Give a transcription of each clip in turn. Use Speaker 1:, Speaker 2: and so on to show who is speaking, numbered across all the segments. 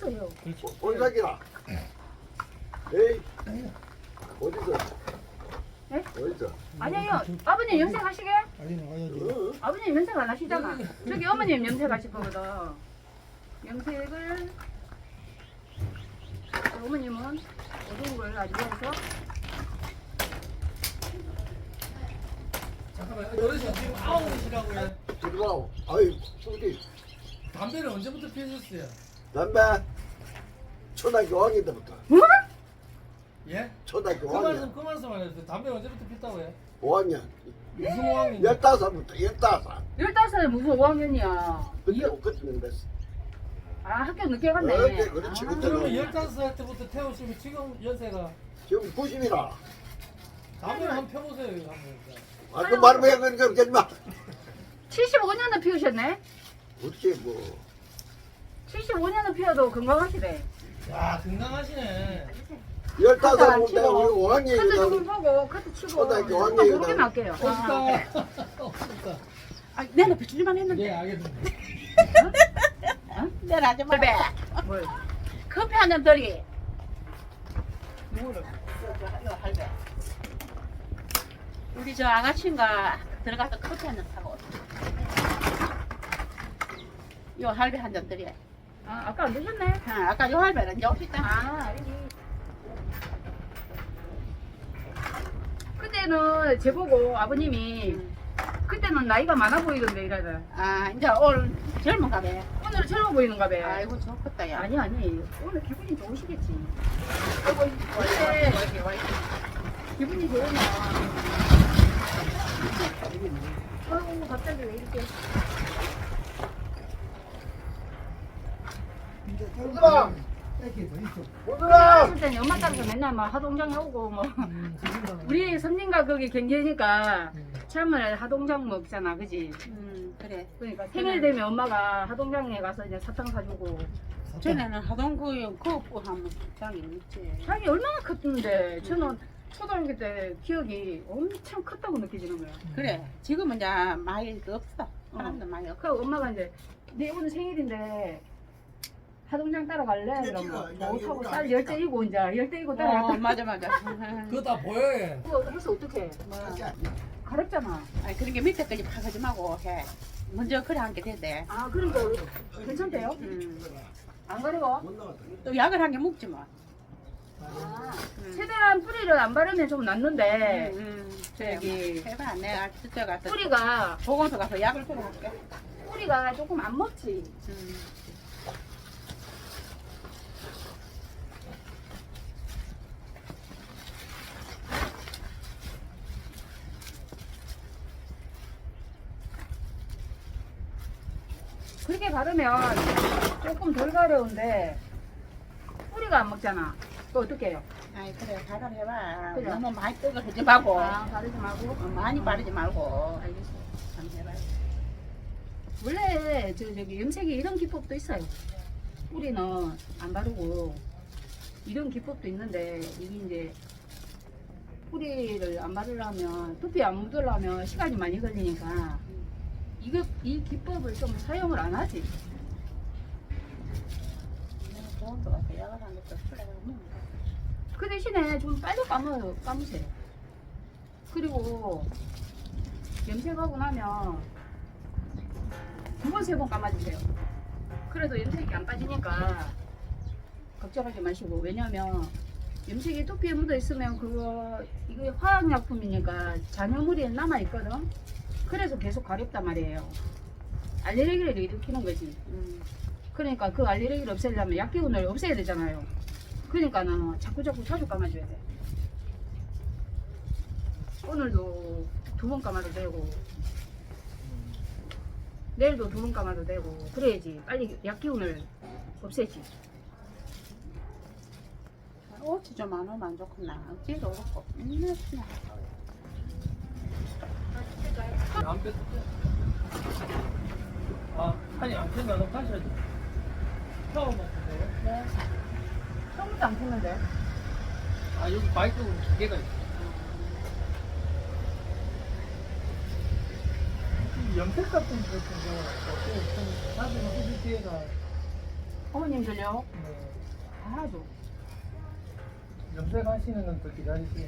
Speaker 1: 있어요.
Speaker 2: 온사기라. 에이, 어디서?
Speaker 1: 네?
Speaker 2: 어디서?
Speaker 1: 아니에요. 아버님 염색하시게?
Speaker 3: 아니는 와야지.
Speaker 1: 아버님 염색 안 하시잖아. 저기 어머님 염색하실 거거든. 염색을 어머님은 어두운 걸 아주 좋아해서
Speaker 4: 잠깐만, 어르신 지금 9시라고요.
Speaker 2: 들어와. 아이, 어디?
Speaker 4: 담배를 언제부터 피우셨어요?
Speaker 2: 담배. 초등학교 5학년 때부터.
Speaker 1: 뭐?
Speaker 4: 예?
Speaker 2: 초등학교
Speaker 4: 그
Speaker 2: 5학년.
Speaker 4: 말씀, 그 말씀 안 했어요. 담배 언제부터 피웠다고요?
Speaker 2: 5학년.
Speaker 4: 무슨 5학년?
Speaker 2: 15살부터 15살.
Speaker 1: 15살 무슨 5학년이야.
Speaker 2: 그때는 됐어.
Speaker 1: 아 학교 늦게 갔네.
Speaker 2: 그렇지.
Speaker 1: 아.
Speaker 4: 그러면 15살 때부터 태우시면 지금 연세가
Speaker 2: 지금 90이라.
Speaker 4: 담배를 한번 펴보세요. 한번.
Speaker 2: 아, 그 말을 왜 그렇게 하지 마.
Speaker 1: 75년을 피우셨네.
Speaker 2: 어떻게 뭐.
Speaker 1: 75년을 피워도 건강하시대.
Speaker 4: 야, 건강하시네.
Speaker 2: 15살 때
Speaker 1: 치고.
Speaker 2: 우리
Speaker 1: 카드 조금
Speaker 2: 5학년이다.
Speaker 1: 보고 카드 치고
Speaker 2: 초등학교
Speaker 1: 한번
Speaker 2: 학년이다.
Speaker 1: 모르게 할게요.
Speaker 4: 없다. 없다.
Speaker 5: 아, 내가 비추기만 했는데.
Speaker 4: 예, 알겠습니다.
Speaker 5: 내가 하지 마.
Speaker 1: 뭘?
Speaker 5: 커피 한 잔 드리.
Speaker 1: 뭐를?
Speaker 5: 이거 할배. 우리 저 아가씨인가 들어가서 커피 한 잔 사고. 요 할배 한 잔 드리.
Speaker 1: 아 아까 안 드셨네.
Speaker 5: 아까 요 할배는 이제 없다.
Speaker 1: 아 알지. 그때는 제보고 아버님이 그때는 나이가 많아 보이던데 이래다.
Speaker 5: 아, 이제 오늘 젊은가 봐.
Speaker 1: 오늘 젊어 보이는가 봐.
Speaker 5: 아이고 좋겠다 야.
Speaker 1: 아니 오늘 기분이 좋으시겠지.
Speaker 5: 아이고
Speaker 1: 근데 기분이 좋으면 아이고 갑자기 왜 이렇게
Speaker 2: 오늘아!
Speaker 3: 이렇게 더 있어.
Speaker 2: 오늘아!
Speaker 1: 어렸을 때는 엄마 따라서 맨날 막 하동장에 오고 뭐 우리 선진가 거기 경계니까 참을 하동장 먹잖아 그지?
Speaker 5: 그래.
Speaker 1: 그러니까 생일 되면 엄마가 하동장에 가서 이제 사탕 사주고
Speaker 5: 전에는 하동구에 그거 하면 장이 있지.
Speaker 1: 자기 얼마나 컸는데 저는 초등학교 때 기억이 엄청 컸다고 느껴지는 거야.
Speaker 5: 그래. 지금은 이제 많이 없어. 사람도 많이 없어.
Speaker 1: 그 엄마가 이제 내 오늘 생일인데 하동장 따라갈래? 그러면 뭐 타고 쌀 열대 이고 이제 열대 이고 따라갔다.
Speaker 5: 맞아 맞아.
Speaker 4: 그거 다 보여요.
Speaker 1: 그거 해서 어떡해? 가렵잖아.
Speaker 5: 아니 그런 게 밑에까지 파가지 말고 해. 먼저 그래 한 게 된대.
Speaker 1: 아 그러니까 괜찮대요? 안 가려워?
Speaker 5: 또 약을 한 개 먹지 뭐.
Speaker 1: 아, 최대한 뿌리를 안 바르면 좀 낫는데 저기
Speaker 5: 해봐. 내가 저쪽 가서
Speaker 1: 뿌리가
Speaker 5: 보건소 가서 약을 주러 갈게.
Speaker 1: 뿌리가 조금 안 먹지. 그렇게 바르면 조금 덜 가려운데 뿌리가 안 먹잖아. 또 어떻게 해요?
Speaker 5: 아이 그래 발을 해봐.
Speaker 1: 그래.
Speaker 5: 너무 많이 뜨거 하지 말고.
Speaker 1: 아, 바르지 말고.
Speaker 5: 많이 바르지 말고.
Speaker 1: 알겠어.
Speaker 5: 한번 해봐.
Speaker 1: 원래 저기 염색에 이런 기법도 있어요. 뿌리는 안 바르고 이런 기법도 있는데 이게 이제 뿌리를 안 바르려면 두피 안 묻으려면 시간이 많이 걸리니까 이 기법을 좀 사용을 안 하지.
Speaker 5: 보건소 가서 약을 한 것도 술래가 먹는
Speaker 1: 그 대신에 좀 빨리 감으세요. 그리고 염색하고 나면 2번, 3번 감아주세요. 그래도 염색이 안 빠지니까 걱정하지 마시고. 왜냐면 염색이 두피에 묻어 있으면 이거 화학약품이니까 잔여물이 남아있거든. 그래서 계속 가렵단 말이에요. 알레르기를 일으키는 거지. 그러니까 그 알레르기를 없애려면 약기운을 없애야 되잖아요. 그러니까는 자꾸 자주 감아줘야 돼. 오늘도 2번 감아도 되고 내일도 2번 감아도 되고 그래야지 빨리 약기운을 없애지.
Speaker 5: 옷이 좀 안 오면 안 좋구나. 어찌도 그렇고. 맨날 그냥.
Speaker 4: 안 뺐어. 아, 아니 안 뺐나? 너 다시 하지. 처음 먹는데요?
Speaker 1: 네. 처음부터 안 폈는데.
Speaker 4: 아, 여기 마이크 기계가 있어. 염색 같은 거 같은 경우는 좀 사진을 해줄 기회가
Speaker 1: 어머님들요?
Speaker 4: 네.
Speaker 1: 알아줘.
Speaker 4: 염색하시는 건 더 기다리시겠네.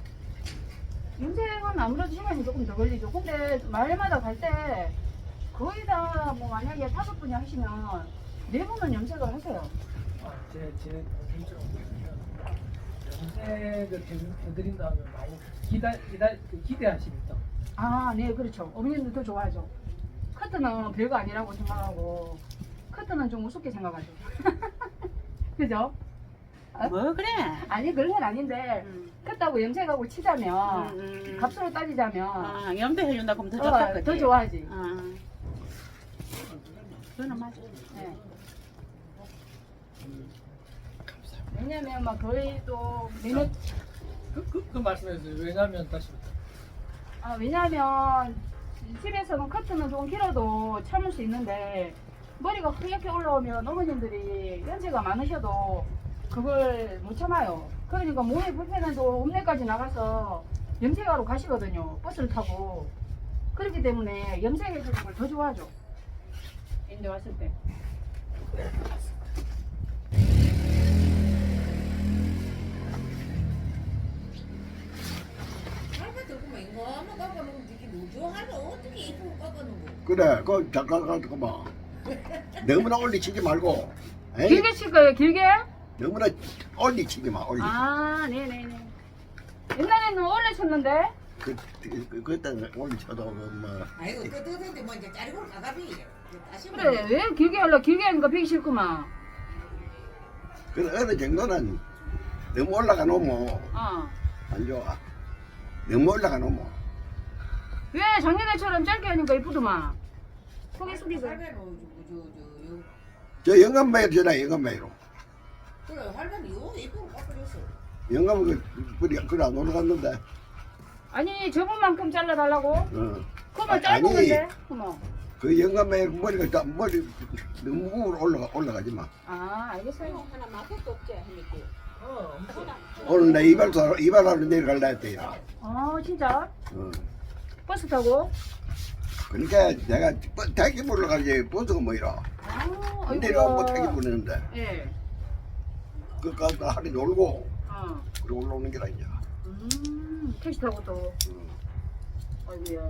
Speaker 1: 염색은 아무래도 시간이 조금 더 걸리죠. 근데 마을마다 갈 때 거의 다 뭐 만약에 5분이 하시면 4분은 염색을 하세요.
Speaker 4: 아, 제 동생처럼 보시면 염색을 해드린다 하면 많이 기대하십니다.
Speaker 1: 아, 네, 그렇죠. 어머님들 더 좋아하죠. 커트는 별거 아니라고 생각하고 커트는 좀 우습게 생각하죠. 그죠?
Speaker 5: 뭐 그래?
Speaker 1: 아니 그런 건 아닌데 커트하고 염색하고 치자면 값으로 따지자면
Speaker 5: 아, 염색해준다 그러면 더 좋다.
Speaker 1: 더 좋아하지.
Speaker 5: 아, 그거는 맞아.
Speaker 1: 네. 왜냐면 막 거의 또 매년
Speaker 4: 그 말씀해주세요. 왜냐면 다시
Speaker 1: 왜냐면 집에서는 커트는 조금 길어도 참을 수 있는데 머리가 흐옇게 올라오면 어머님들이 연세가 많으셔도 그걸 못 참아요. 그러니까 몸이 불편해도 읍내까지 나가서 염색하러 가시거든요. 버스를 타고. 그렇기 때문에 염색해주는 걸 더 좋아하죠. 인제 왔을 때.
Speaker 2: 그래 그 잠깐 가지고 봐. 너무나 올리치지 말고. 에이?
Speaker 1: 길게 칠 거예요, 길게?
Speaker 2: 너무나 올리치지 마 올리.
Speaker 1: 아, 네네네. 옛날에는 원래 쳤는데?
Speaker 2: 그때는 올리쳐도 뭐.
Speaker 6: 아이고 끄덕끄덕 뭐 이제 짜리고 가가비 다시
Speaker 1: 그래, 왜 길게 하려? 길게 하니까 배기 싫구만.
Speaker 2: 그 어느 정도는 너무 올라가 놓으면
Speaker 1: 어.
Speaker 2: 안 좋아. 너무 올라가 놓으면.
Speaker 1: 왜 작년에처럼 짧게 하니까 이쁘더만. 속이 숙이고.
Speaker 6: 할배로
Speaker 2: 저 영감매로 전화 영감매로.
Speaker 6: 그래 할배는 요 이쁘고 깎아줬어.
Speaker 2: 영감은 그래 안 올라갔는데.
Speaker 1: 아니, 저번만큼 잘라달라고?
Speaker 2: 어.
Speaker 1: 그러면 짧은
Speaker 2: 아니.
Speaker 1: 건데? 그럼.
Speaker 2: 그 영감매 머리가 머리 너무 올라가지 마.
Speaker 1: 아, 알겠어요.
Speaker 6: 하나 맛도 없지 해니까.
Speaker 2: 오늘 내 이발하러 내려갈라 했대요.
Speaker 1: 아, 진짜?
Speaker 2: 어.
Speaker 1: 버스 타고?
Speaker 2: 그러니까 내가 택시 불러 가지 버스가 뭐이라.
Speaker 1: 아,
Speaker 2: 내려오면 택시 부르는데
Speaker 1: 예.
Speaker 2: 그 가서 하루 놀고
Speaker 1: 어.
Speaker 2: 그리고 올라오는 게라 이제.
Speaker 1: 택시 타고 또. 아이고야.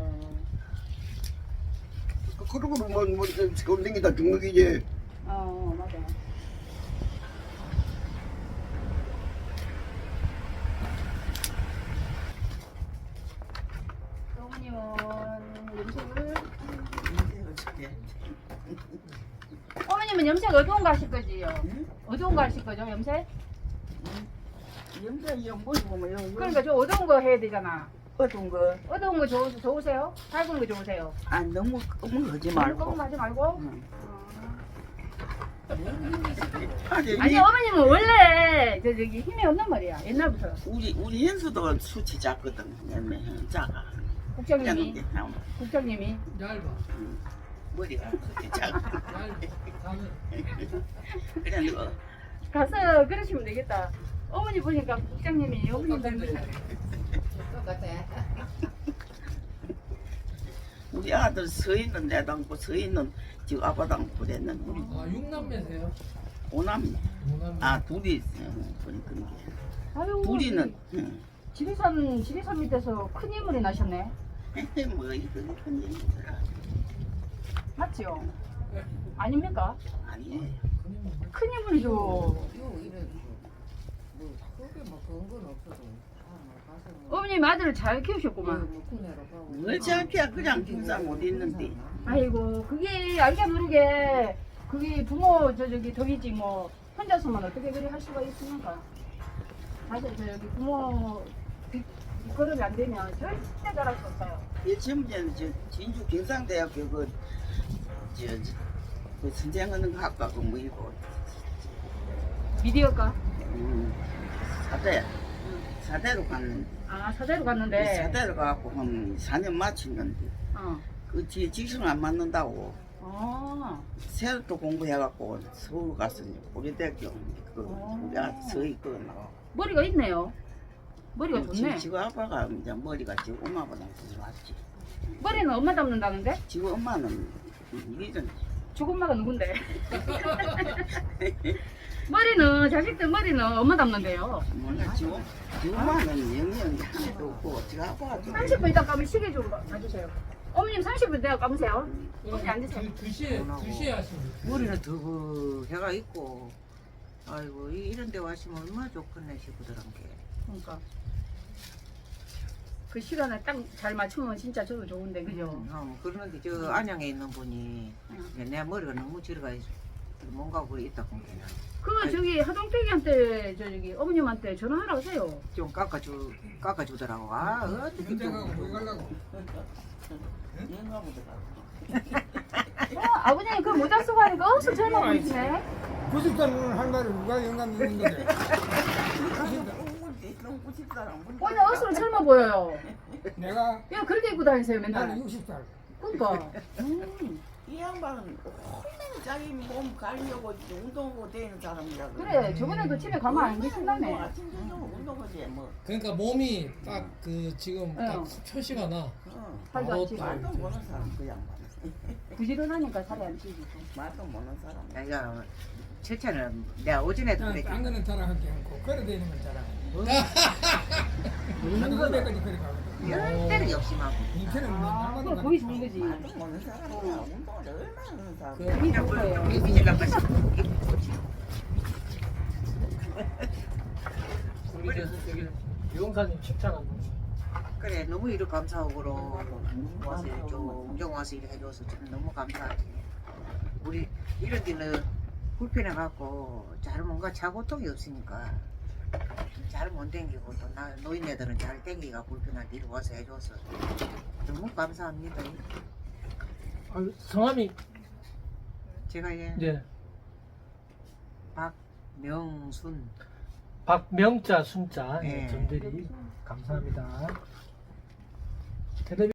Speaker 2: 그러고 뭐 서울 댕기다 죽는 게 이제
Speaker 1: 맞아. 어머님은 염색을 어머님은 염색 어두운 거 하실 거지요? 어두운 거 하실 거죠, 염색?
Speaker 5: 염색 연보이 보면
Speaker 1: 그러니까 저 어두운 거 해야 되잖아.
Speaker 5: 어떤 거?
Speaker 1: 어두운 거 좋으세요? 밝은 거 좋으세요?
Speaker 5: 아, 너무 검은 거 하지
Speaker 1: 조금
Speaker 5: 말고.
Speaker 1: 하지 말고?
Speaker 5: 응.
Speaker 1: 아니
Speaker 5: 아니,
Speaker 1: 어머님은 원래 저기 힘이 없는 머리야 옛날부터.
Speaker 5: 우리 현수도 수치 작거든. 작아.
Speaker 1: 국장님이
Speaker 5: 작은 게
Speaker 1: 국장님이
Speaker 4: 얇아.
Speaker 5: 머리가 수치 작아.
Speaker 4: 나는
Speaker 5: 그래 너
Speaker 1: 가서 그러시면 되겠다. 어머니 보니까 국장님이 어머님 닮으셔.
Speaker 6: 똑같아.
Speaker 5: 우리 아들 서있는 내도 않고 서있는 지금 아빠도 않고 그랬는데 우리
Speaker 4: 아 6남매세요?
Speaker 5: 오남매.
Speaker 4: 5남매.
Speaker 5: 아 둘이 그런 게.
Speaker 1: 아유
Speaker 5: 둘이는
Speaker 1: 지리산 밑에서 큰 인물이 나셨네.
Speaker 5: 뭐 이거 큰 얘기
Speaker 1: 맞지요? 아닙니까?
Speaker 5: 아니에요.
Speaker 1: 큰 인물이죠.
Speaker 6: 요 이런 뭐 크게 뭐 그런 건 없어도 가서
Speaker 1: 어머님 아들을 잘 키우셨구만.
Speaker 6: 뭐 구매로 가고.
Speaker 5: 뭘 저렇게 그냥 경사 못 있는데.
Speaker 1: 아이고 그게 알게 모르게 그게 부모 저기 덕이지 뭐 혼자서만 어떻게 그리 할 수가 있습니까? 사실 저기 부모 뒷걸음이 안 되면 절대 잘할 수 없어요.
Speaker 5: 이 지금은 저 진주 경상대학교 그 선생하는 학과고 뭐 이거
Speaker 1: 미디어과?
Speaker 5: 사대로 갔는데
Speaker 1: 아 사대로 갔는데.
Speaker 5: 사대로 가고 한 4년 마쳤는데
Speaker 1: 어.
Speaker 5: 그 뒤에 직성 안 맞는다고 새로 또 공부해갖고 서울 가서 고려대학교 그 우리 아들 서희 그 나와.
Speaker 1: 머리가 있네요. 머리가 좋네.
Speaker 5: 지금 아빠가 이제 머리가 지금 엄마보다 더 좋았지.
Speaker 1: 머리는 엄마 닮는다는데?
Speaker 5: 지금 엄마는 이전
Speaker 1: 죽엄마가 누군데? 머리는 자식들 머리는 엄마 닮는데요.
Speaker 5: 몰라 지금 엄마는 영양이 하나도 없고 어떻게 하고 하죠.
Speaker 1: 30분 있다 가면 시계 좀 봐주세요. 어머님 30분 내가 감으세요. 어머니 앉으세요.
Speaker 3: 2시에 하시면
Speaker 6: 머리는 더 해가 있고 아이고 이런 데 왔으면 얼마나 좋겠네 식구들한 게.
Speaker 1: 그러니까 그 시간에 딱 잘 맞추면 진짜 저도 좋은데 그죠?
Speaker 6: 그러는데 저 안양에 있는 분이
Speaker 1: 응.
Speaker 6: 내 머리가 너무 지르가 있어. 뭔가 그래 있다 보니까
Speaker 1: 그 저기 하동택이한테 저기 어머님한테 전화하라 하세요.
Speaker 6: 좀 깎아주더라고. 아 어떻게
Speaker 3: 언제 가고
Speaker 6: 또
Speaker 3: 뭐 가려고?
Speaker 1: 아버님 그 모자 쓰고 하니까 어서 젊어 보이시네.
Speaker 3: 90살은 할머니 누가 영감 있는 건데?
Speaker 1: 오늘 어서 젊어 보여요.
Speaker 3: 내가
Speaker 1: 야 그렇게 입고 다니세요 맨날.
Speaker 3: 나는 60살.
Speaker 1: 그러니까.
Speaker 5: 이 양반은 얼마나 자기 몸 가려고 운동하고 다니는 사람이라
Speaker 1: 그래 저번에 그 집에 가면 안 계신다며.
Speaker 5: 아침 저녁 운동하지 뭐.
Speaker 7: 그러니까 몸이 딱 그 지금 딱
Speaker 1: 응.
Speaker 7: 표시가 나.
Speaker 1: 살도 안 찌고.
Speaker 5: 말도 모르는 사람 그 양반.
Speaker 1: 부지런하니까 살이 안 찌고.
Speaker 5: 말도 모르는 사람.
Speaker 6: 내가 첫째는 내가 오전에도
Speaker 3: 나는 딴
Speaker 6: 그랬지.
Speaker 3: 거는 자랑하지 않고 걸어 다니는 건 자랑해. 하는 거 내까지 걸어 가거든.
Speaker 6: 때는 욕심하고.
Speaker 3: 인천은
Speaker 1: 아
Speaker 3: 맨날
Speaker 1: 그럼
Speaker 3: 가는
Speaker 1: 거기
Speaker 3: 거.
Speaker 1: 좋은 거지.
Speaker 5: 말도 모르는 사람이야. 운동을 얼마나 하는 사람.
Speaker 7: 그
Speaker 1: 그게 좋은 거예요.
Speaker 6: 이질랑 것이
Speaker 7: 우리 저기 유영사님 칭찬 한 번.
Speaker 6: 그래 너무 이렇게 감사하고 와서 좀 운동 와서 이렇게 해줘서 저는 너무 감사하지. 우리 이런 데는 불편해 갖고 잘 뭔가 자고통이 없으니까 잘 못 댕기고 또 나 노인네들은 잘 댕기가 불편할 때 이렇게 와서 해줘서 너무 감사합니다.
Speaker 7: 아, 성함이
Speaker 6: 제가 예
Speaker 7: 이제
Speaker 6: 박명순
Speaker 7: 박명자 순자
Speaker 6: 네.
Speaker 7: 전대리 감사합니다.